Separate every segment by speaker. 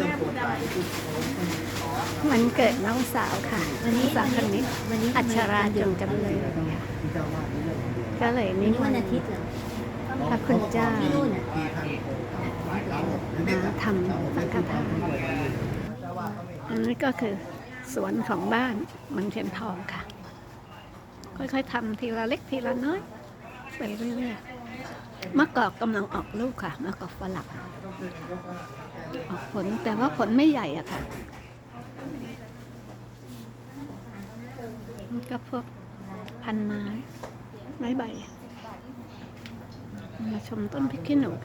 Speaker 1: มันเกิดน้องสาวค่ะน้องสาวคนนี้อัชราจงจำเลยก็เลยนิมนต์พระคุณเจ้ามาทำสังฆทานอันนี้ก็คือสวนของบ้านเมืองเทียนทองค่ะค่อยๆทำทีละเล็กทีละน้อยไปเรื่อยๆมะกอกกำลังออกลูกค่ะมะกอกฝรั่งออกผลแต่ว่าผลไม่ใหญ่อะค่ะก็พวกพันไม้ใบมาชมต้นพริกขี้หนู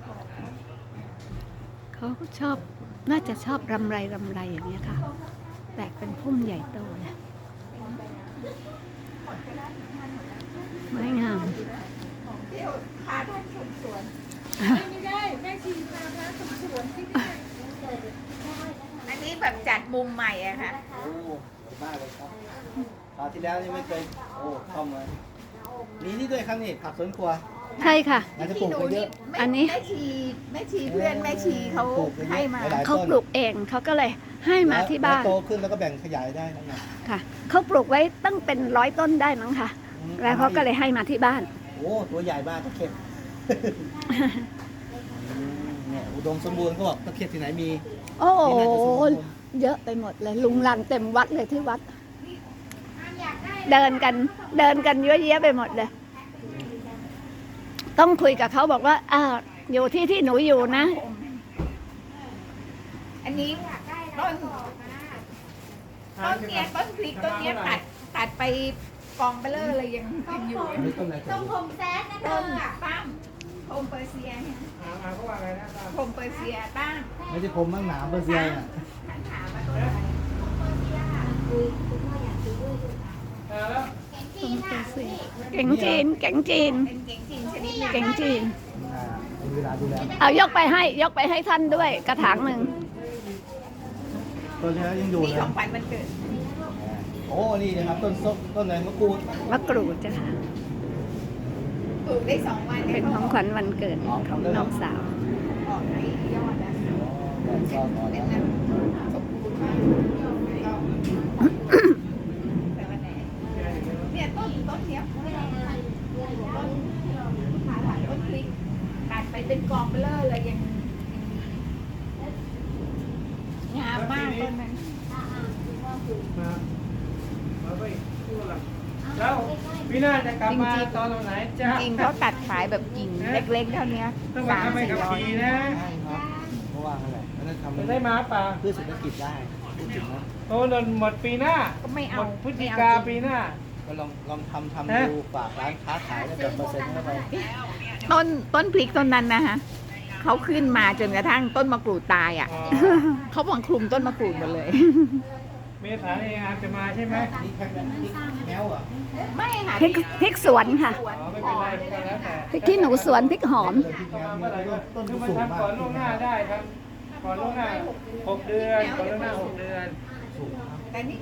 Speaker 1: เขาชอบน่าจะชอบรำไรอย่างเงี้ยค่ะแตกเป็นพุ่มใหญ่โตเลยไม้งาม
Speaker 2: พาท่านชมสวนไม่ได้แม่ชีพาท่านชมสวนที่อันนี้แบบจัดมุมใหม่อะค่ะ
Speaker 3: โอ้มากเลยครับคราวที่แล้วนี่ไม่เคยโอ้เข้ามามีนี่ด้วยครับนี่ผักสวนครัว
Speaker 1: ใช่ค่ะ
Speaker 3: น่าจะปลูกไปเยอะ
Speaker 1: อันนี้
Speaker 2: แม่ชีเพื่อนแม่ชีเขาให้มา
Speaker 1: เขาปลูกเองเขาก็เลยให้มาที่บ้าน
Speaker 3: โตขึ้นแล้วก็แบ่งขยายได้นะ
Speaker 1: ค่ะเขาปลูกไว้ตั้งเป็น100 ต้นได้มั้งค่ะแล้วเขาก็เลยให้มาที่บ้าน
Speaker 3: โอ้ตัวใหญ่มากตะเข็บเนี่ยอุดมสมบูรณ์เขาบอกตะเข็บที่ไหนมี
Speaker 1: โอ้โหเยอะไปหมดเลยลุงลังเต็มวัดเลยที่วัดเดินกันเยอะแยะไปหมดเลยต้องคุยกับเขาบอกว่าอยู่ที่หนูอยู่นะ
Speaker 2: อันนี้ต้นเนี้ยต้นพริกต้นเนี้ยตัดไปกองเบลเลอร์เลยยังอยู่
Speaker 3: ต้น
Speaker 2: ผมแซดนะต้นตั้มผมเปอร์เซียผมเปอร์เซียตั้ม
Speaker 3: ไม่ใช่ผมมั่งหนามเปอร์เซียอ่ะ
Speaker 1: เก่งจีน
Speaker 2: เก่งจีน
Speaker 1: เอายกไปให้ท่านด้วยกระถางหนึ่ง
Speaker 3: ต้นนี้ยังอยู่เลย
Speaker 2: ของขวัญวันเกิด
Speaker 3: โอ้นี่นะครับต้นส้มต้นอะไรมะก
Speaker 1: รูดจ้ะค่ะ
Speaker 2: ปลูกได้2 วัน
Speaker 1: เป็นของขวัญวันเกิดของน้องสาว
Speaker 2: ออกไหนยอดนะเป็นนั้นสมบูรณ์มากแต่วันไหนเนี่ยต้นเนี้ยต้นพริกตัดไปเป็นกองเบลเลอร์เลยยังงามมากต้นนั้น
Speaker 4: แล้วพี่น่าจะกลับมาตอนไหนจ้า
Speaker 2: จริงเขาตัดขายแบบกิ่งเล็กๆเท่านี้
Speaker 4: 3-400นะ
Speaker 3: เพราะว่าอะไรนั่นทำ
Speaker 4: ได้มาป่ะ
Speaker 3: เพื่อเศรษฐกิจได้พูดถึงนะ
Speaker 4: โอ้นนหมดปีหน้า
Speaker 2: ก็ไม่เอา
Speaker 4: พฤศจิกาปีหน้า
Speaker 3: ก็ลองทำดูฝากร้านค้าขายแล้วแบบเปอร์เซ็นต์เข้าไป
Speaker 2: ต้นพริกต้นนั้นนะฮะเขาขึ้นมาจนกระทั่งต้นมะกรูดตายอ่ะเขาบังคลุมต้นมะกรูดหมดเลย
Speaker 4: เมษาเองอาจจะมาใช่ไหม
Speaker 3: นี่แค่แมวอ่ะ
Speaker 2: ไม่ค่ะ
Speaker 1: พริกสวนค่ะ
Speaker 4: ไม่เป็นไรก็แล้วแต่
Speaker 1: พริกขี้หนูสวนพริกหอม
Speaker 4: คือมันทำก่อนล่วงหน้าได้ครับก่อนล่วงหน้า6 เดือนก่อนล่วงหน้า6 เดือน
Speaker 2: แต่นี่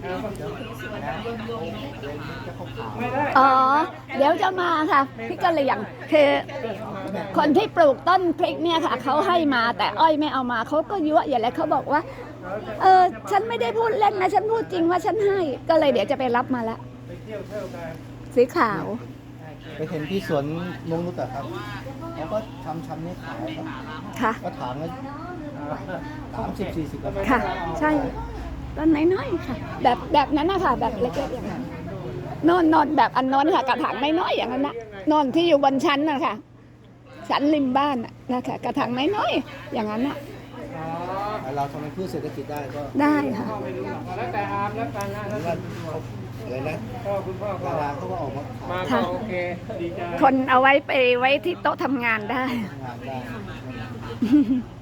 Speaker 1: อ๋อเดี๋ยวจะมาค่ะพริกกะเหรี่ยงคือคนที่ปลูกต้นพริกเนี่ยค่ะเขาให้มาแต่อ้อยไม่เอามาเขาก็ยั่วอย่างไรเขาบอกว่าฉันไม่ได้พูดเล่นนะฉันพูดจริงว่าฉันให้ก็เลยเดี๋ยวจะไปรับมาละสีขาว
Speaker 3: ไปเห็นที่สวนนงนุชครับแล้วก็ทำนี้ขายครับ
Speaker 1: ค่ะ
Speaker 3: ก็ถางละ30-40 บาท
Speaker 1: ค่ะใช่ต้นน้อยๆค่ะแบบนั้นนะคะแบบเล็กๆอย่างนั้นนอนแบบอันนอนค่ะกระถางน้อยๆอย่างนั้นนะนอนที่อยู่บนชั้นนะคะชั้นริมบ้านนะคะกระถางน้อยๆอย่างนั้นนะ
Speaker 3: เราทำให้พืชเศรษฐกิจได้ก็
Speaker 1: ได้ค่ะ
Speaker 4: แล้วแต่อามแล้วกันนะ
Speaker 3: อะไรนะ
Speaker 4: คุณพ่อ
Speaker 3: ดาราเขาก็ออกมา
Speaker 4: โอเคดีใจ
Speaker 1: คนเอาไว้ที่โต๊ะทำงานได้
Speaker 3: งานได้